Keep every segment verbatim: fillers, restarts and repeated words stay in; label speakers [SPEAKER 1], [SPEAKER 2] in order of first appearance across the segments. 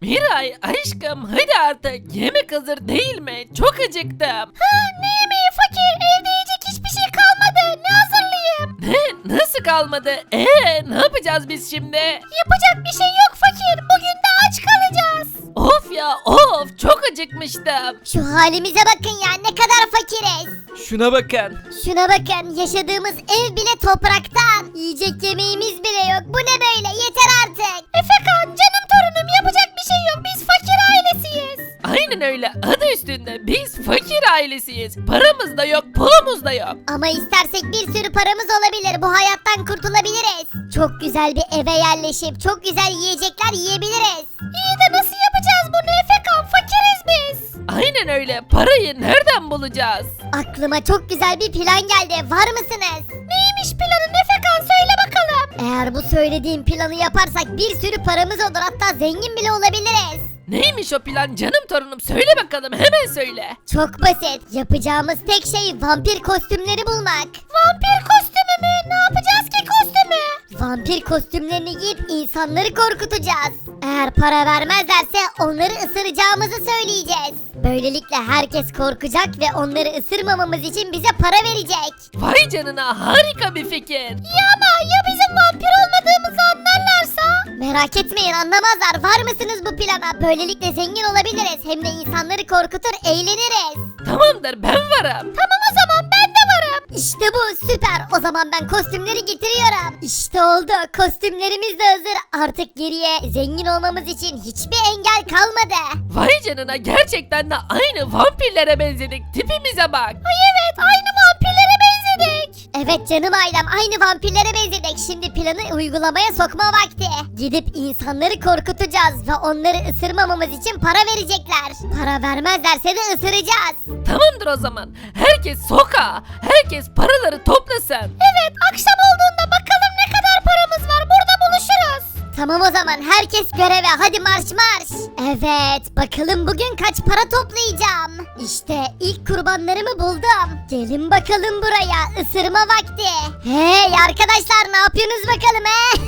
[SPEAKER 1] Miray aşkım hadi artık yemek hazır değil mi? Çok acıktım.
[SPEAKER 2] Ha, ne yemeği fakir? Evde yiyecek hiçbir şey kalmadı. Ne hazırlayayım?
[SPEAKER 1] Ne? Nasıl kalmadı? Eee ne yapacağız biz şimdi?
[SPEAKER 2] Yapacak bir şey yok fakir. Bugün de aç kalacağız.
[SPEAKER 1] Of ya of çok acıkmıştım.
[SPEAKER 2] Şu halimize bakın ya, ne kadar fakiriz.
[SPEAKER 1] Şuna bakın.
[SPEAKER 2] Şuna bakın, yaşadığımız ev bile topraktan. Yiyecek yemeğimiz bile yok. Bu ne böyle? Yeter artık. Efekan, canım torunum, yapacak bir şey yok. Biz fakir ailesiyiz.
[SPEAKER 1] Aynen öyle adı üstünde biz fakir ailesiyiz. Paramız da yok pulumuz da yok.
[SPEAKER 2] Ama istersek bir sürü paramız olabilir. Bu hayattan kurtulabiliriz. Çok güzel bir eve yerleşip çok güzel yiyecekler yiyebiliriz. İyi de nasıl yapacağız bunu Efekan? Fakiriz biz.
[SPEAKER 1] Aynen öyle parayı nereden bulacağız?
[SPEAKER 2] Aklıma çok güzel bir plan geldi. Var mısınız? Neymiş planın Efekan? Söyle bakalım. Eğer bu söylediğim planı yaparsak bir sürü paramız olur. Hatta zengin bile olabiliriz.
[SPEAKER 1] Neymiş o plan canım torunum söyle bakalım hemen söyle.
[SPEAKER 2] Çok basit. Yapacağımız tek şey vampir kostümleri bulmak. Vampir kostümü mü? Ne yapacağız ki kostümü? Vampir kostümlerini giyip insanları korkutacağız. Eğer para vermezlerse onları ısıracağımızı söyleyeceğiz. Böylelikle herkes korkacak ve onları ısırmamamız için bize para verecek.
[SPEAKER 1] Vay canına harika bir fikir.
[SPEAKER 2] Ya ama ya bizim vampir olmadığımızı anlarlarsa? Merak etmeyin, anlamazlar. Var mısınız bu plana? Böylelikle zengin olabiliriz. Hem de insanları korkutur, eğleniriz.
[SPEAKER 1] Tamamdır ben varım.
[SPEAKER 2] Tamam o zaman ben de varım. İşte bu süper. O zaman ben kostümleri getiriyorum. İşte oldu. Kostümlerimiz de hazır. Artık geriye zengin olmamız için hiçbir engel kalmadı.
[SPEAKER 1] Vay canına gerçekten de aynı vampirlere benzedik tipimize bak.
[SPEAKER 2] Ay evet, aynı vampirlere benzedik. Evet canım ailem, aynı vampirlere benzedik. Şimdi planı uygulamaya sokma vakti. Gidip insanları korkutacağız ve onları ısırmamamız için para verecekler. Para vermezlerse de ısıracağız.
[SPEAKER 1] Tamamdır o zaman. Herkes sokağa. Herkes paraları toplasın.
[SPEAKER 2] Evet, akşam olduğunda bakalım ne kadar paramız var. Burada buluşuruz. Tamam o zaman, herkes göreve, hadi marş marş. Evet, bakalım bugün kaç para toplayacağım. İşte ilk kurbanlarımı buldum. Gelin bakalım buraya, ısırma vakti. Hey arkadaşlar, ne yapıyorsunuz bakalım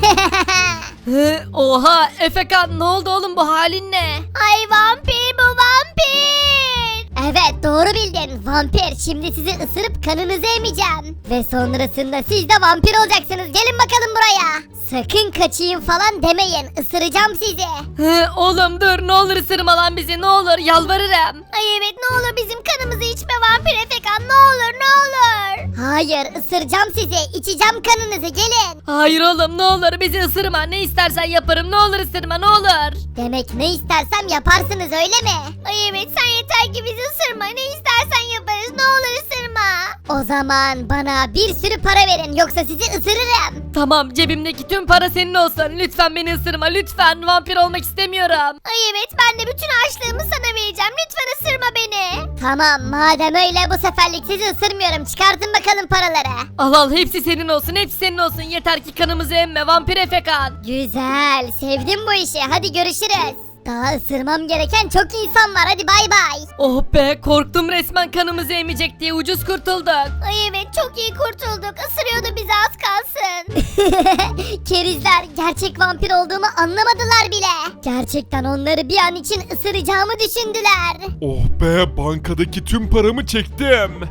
[SPEAKER 2] he?
[SPEAKER 1] Oha Efekan ne oldu oğlum bu halin ne?
[SPEAKER 2] Ay vampir, bu vampir. Evet, doğru bildin, vampir. Şimdi sizi ısırıp kanınızı emeceğim. Ve sonrasında siz de vampir olacaksınız. Gelin bakalım buraya. Sakın kaçayım falan demeyin. Isıracağım sizi.
[SPEAKER 1] Oğlum dur ne olur ısırma lan bizi ne olur yalvarırım.
[SPEAKER 2] Ay evet, ne olur bizim kanımızı içme vampir Efekan, ne olur ne olur. Hayır, ısıracağım sizi. İçeceğim kanınızı, gelin.
[SPEAKER 1] Hayır oğlum ne olur bizi ısırma ne istersen yaparım ne olur ısırma ne olur.
[SPEAKER 2] Demek ne istersem yaparsınız öyle mi? Ay evet, sen yeter ki bizi ısırma. Ne istersen yaparız, ne olur ısırma. O zaman bana bir sürü para verin, yoksa sizi ısırırım.
[SPEAKER 1] Tamam cebimdeki tüm para senin olsun lütfen beni ısırma lütfen vampir olmak istemiyorum.
[SPEAKER 2] Ay evet, ben de bütün açlığımı sana vereceğim. Lütfen ısırma beni. Tamam, madem öyle bu seferlik sizi ısırmıyorum. Çıkartın bakalım paraları.
[SPEAKER 1] Al al hepsi senin olsun hepsi senin olsun yeter ki kanımızı emme vampir Efekan.
[SPEAKER 2] Güzel, sevdim bu işi. Hadi görüşürüz. Daha ısırmam gereken çok insan var. Hadi bay bay.
[SPEAKER 1] Oh be korktum resmen kanımızı emecek diye ucuz kurtulduk.
[SPEAKER 2] Ay evet, çok iyi kurtulduk. Isırıyordu bizi az kalsın. Kerizler, gerçek vampir olduğumu anlamadılar bile. Gerçekten onları bir an için ısıracağımı düşündüler.
[SPEAKER 3] Oh be, bankadaki tüm paramı çektim.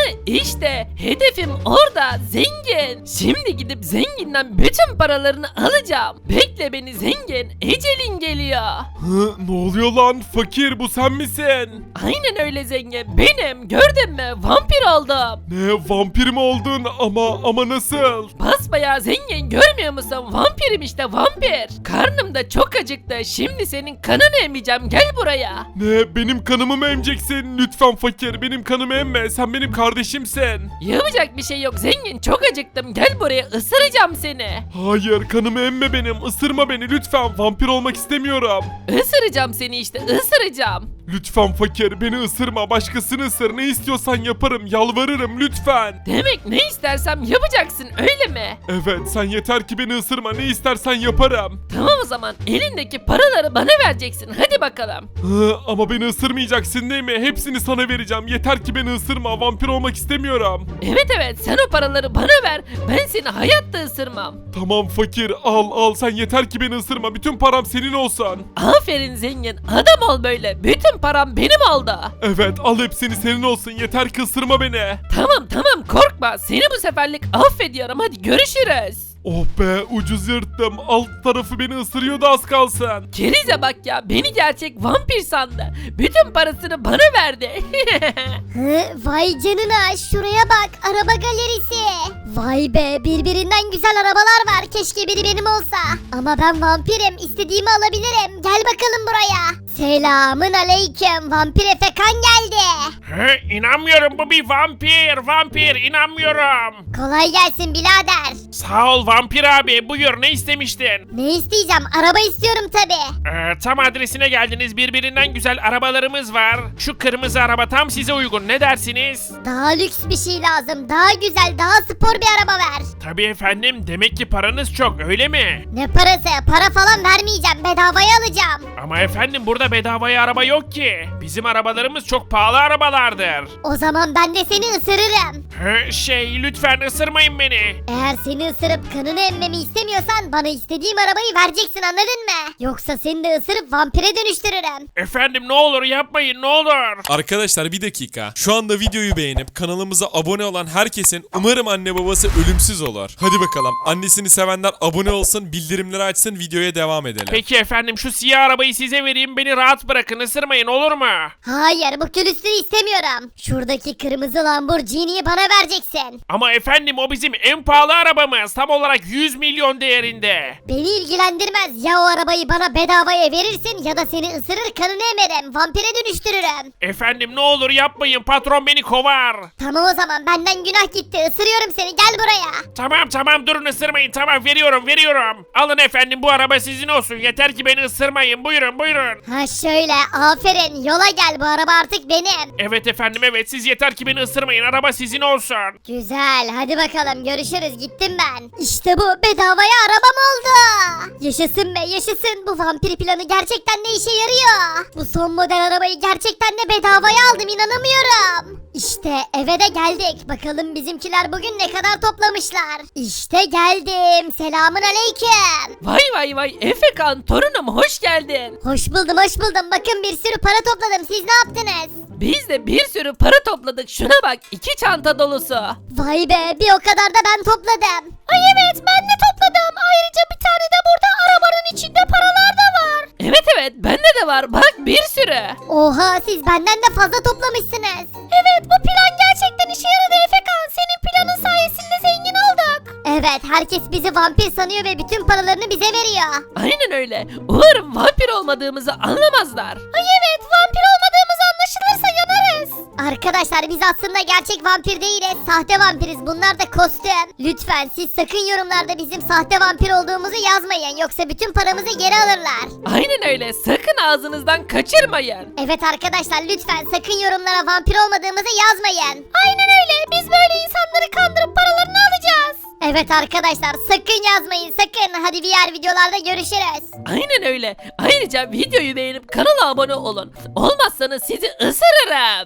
[SPEAKER 1] İşte hedefim orada zengin. Şimdi gidip zenginden bütün paralarını alacağım. Bekle beni zengin ecelin geliyor.
[SPEAKER 3] Hı, ne oluyor lan? Fakir, bu sen misin?
[SPEAKER 1] Aynen öyle zengin benim gördün mü vampir oldum.
[SPEAKER 3] Ne, vampir mi oldun? Ama ama nasıl?
[SPEAKER 1] Basbayağı zengin görmüyor musun vampirim işte vampir. Karnım da çok acıktı şimdi senin kanını emeceğim gel buraya.
[SPEAKER 3] Ne, benim kanımı mı emeceksin? Lütfen fakir, benim kanımı emme. Sen benim kardeşimsin.
[SPEAKER 1] Yapacak bir şey yok zengin çok acıktım gel buraya ısıracağım seni.
[SPEAKER 3] Hayır, kanımı emme benim. Isırma beni lütfen. Vampir olmak istemiyorum.
[SPEAKER 1] Isıracağım seni işte ısıracağım.
[SPEAKER 3] Lütfen fakir beni ısırma, başkasını ısır, ne istiyorsan yaparım, yalvarırım lütfen.
[SPEAKER 1] Demek ne istersem yapacaksın öyle mi?
[SPEAKER 3] Evet, sen yeter ki beni ısırma, ne istersen yaparım.
[SPEAKER 1] Tamam o zaman elindeki paraları bana vereceksin hadi bakalım.
[SPEAKER 3] Hı, ama beni ısırmayacaksın değil mi? Hepsini sana vereceğim, yeter ki beni ısırma, vampir olmak istemiyorum.
[SPEAKER 1] Evet evet sen o paraları bana ver ben seni hayatta ısırmam.
[SPEAKER 3] Tamam fakir, al al, sen yeter ki beni ısırma, bütün param senin olsun.
[SPEAKER 1] Aferin zengin adam ol böyle bütün param benim oldu.
[SPEAKER 3] Evet, al hepsini senin olsun, yeter ki ısırma beni.
[SPEAKER 1] Tamam tamam korkma seni bu seferlik affediyorum hadi görüşürüz.
[SPEAKER 3] Oh be, ucuz yırttım, alt tarafı beni ısırıyordu az kalsın.
[SPEAKER 1] Kerize bak ya beni gerçek vampir sandı. Bütün parasını bana verdi.
[SPEAKER 2] Hı, vay canına şuraya bak araba galerisi. Vay be birbirinden güzel arabalar var keşke biri benim olsa. Ama ben vampirim istediğimi alabilirim gel bakalım buraya. Selamın aleyküm vampir Efekan geldi.
[SPEAKER 4] He, inanmıyorum bu bir vampir, vampir inanmıyorum.
[SPEAKER 2] Kolay gelsin birader.
[SPEAKER 4] Sağ ol vampir abi, buyur ne istemiştin?
[SPEAKER 2] Ne isteyeceğim araba istiyorum tabi.
[SPEAKER 4] Ee, tam adresine geldiniz, birbirinden güzel arabalarımız var. Şu kırmızı araba tam size uygun, ne dersiniz?
[SPEAKER 2] Daha lüks bir şey lazım daha güzel daha spor bir araba ver.
[SPEAKER 4] Tabii efendim, demek ki paranız çok öyle mi?
[SPEAKER 2] Ne parası para falan vermeyeceğim bedavaya alacağım.
[SPEAKER 4] Ama efendim burada bedavaya araba yok ki. Bizim arabalarımız çok pahalı arabalardır.
[SPEAKER 2] O zaman ben de seni ısırırım.
[SPEAKER 4] He, şey lütfen ısırmayın beni.
[SPEAKER 2] Eğer seni ısırıp kanını emmemi istemiyorsan bana istediğim arabayı vereceksin anladın mı? Yoksa seni de ısırıp vampire dönüştürürüm.
[SPEAKER 4] Efendim ne olur yapmayın ne olur.
[SPEAKER 3] Arkadaşlar bir dakika. Şu anda videoyu beğenip kanalımıza abone olan herkesin umarım anne babası ölümsüz olur. Hadi bakalım. Annesini sevenler abone olsun, bildirimleri açsın, videoya devam edelim.
[SPEAKER 4] Peki efendim şu siyah arabayı size vereyim, beni rahat bırakın, ısırmayın olur mu?
[SPEAKER 2] Hayır bu külüstürü istemiyorum. Şuradaki kırmızı Lamborghini'yi bana vereceksin.
[SPEAKER 4] Ama efendim o bizim en pahalı arabamız, tam olarak yüz milyon değerinde.
[SPEAKER 2] Beni ilgilendirmez ya o arabayı bana bedavaya verirsin ya da seni ısırır kanını emerim vampire dönüştürürüm.
[SPEAKER 4] Efendim ne olur yapmayın, patron beni kovar.
[SPEAKER 2] Tamam o zaman benden günah gitti ısırıyorum seni gel buraya.
[SPEAKER 4] Tamam tamam durun, ısırmayın, tamam veriyorum veriyorum. Alın efendim, bu araba sizin olsun, yeter ki beni ısırmayın, buyurun buyurun.
[SPEAKER 2] Ha şöyle aferin yola gel bu araba artık benim.
[SPEAKER 4] Evet efendim evet, siz yeter ki beni ısırmayın, araba sizin olsun.
[SPEAKER 2] Güzel hadi bakalım görüşürüz gittim ben. İşte bu bedavaya arabam oldu. Yaşasın be yaşasın bu vampir planı gerçekten de işe yarıyor. Bu son model arabayı gerçekten de bedavaya aldım inanamıyorum. İşte eve de geldik. Bakalım bizimkiler bugün ne kadar toplamışlar. İşte geldim. Selamın aleyküm.
[SPEAKER 1] Vay vay vay Efekan torunum hoş geldin.
[SPEAKER 2] Hoş buldum hoş buldum. Bakın bir sürü para topladım. Siz ne yaptınız?
[SPEAKER 1] Biz de bir sürü para topladık şuna bak iki çanta dolusu.
[SPEAKER 2] Vay be bir o kadar da ben topladım. Ay evet ben de topladım. Ayrıca bir tane de burada arabanın içinde paralar da var.
[SPEAKER 1] Evet evet bende de var bak bir sürü.
[SPEAKER 2] Oha siz benden de fazla toplamışsınız. Evet bu plan gerçekten işe yaradı Efekan. Senin planın sayesinde zengin olduk. Evet herkes bizi vampir sanıyor ve bütün paralarını bize veriyor.
[SPEAKER 1] Aynen öyle. Umarım vampir olmadığımızı anlamazlar.
[SPEAKER 2] Ay evet vampir olmadığımız anlaşılırsa yanarız. Arkadaşlar biz aslında gerçek vampir değiliz. Sahte vampiriz bunlar da kostüm. Lütfen siz sakın yorumlarda bizim sahte vampir olduğumuzu yazmayın. Yoksa bütün paramızı geri alırlar.
[SPEAKER 1] Aynen öyle. Sakın ağzınızdan kaçırmayın.
[SPEAKER 2] Evet arkadaşlar lütfen sakın yorumlara vampir olmadığımızı yazmayın. Aynen öyle biz böyle insanları kandırıp paralarını alacağız. Evet arkadaşlar sakın yazmayın sakın. Hadi diğer videolarda görüşürüz.
[SPEAKER 1] Aynen öyle. Ayrıca videoyu beğenip kanala abone olun. Olmazsanız sizi ısırırım.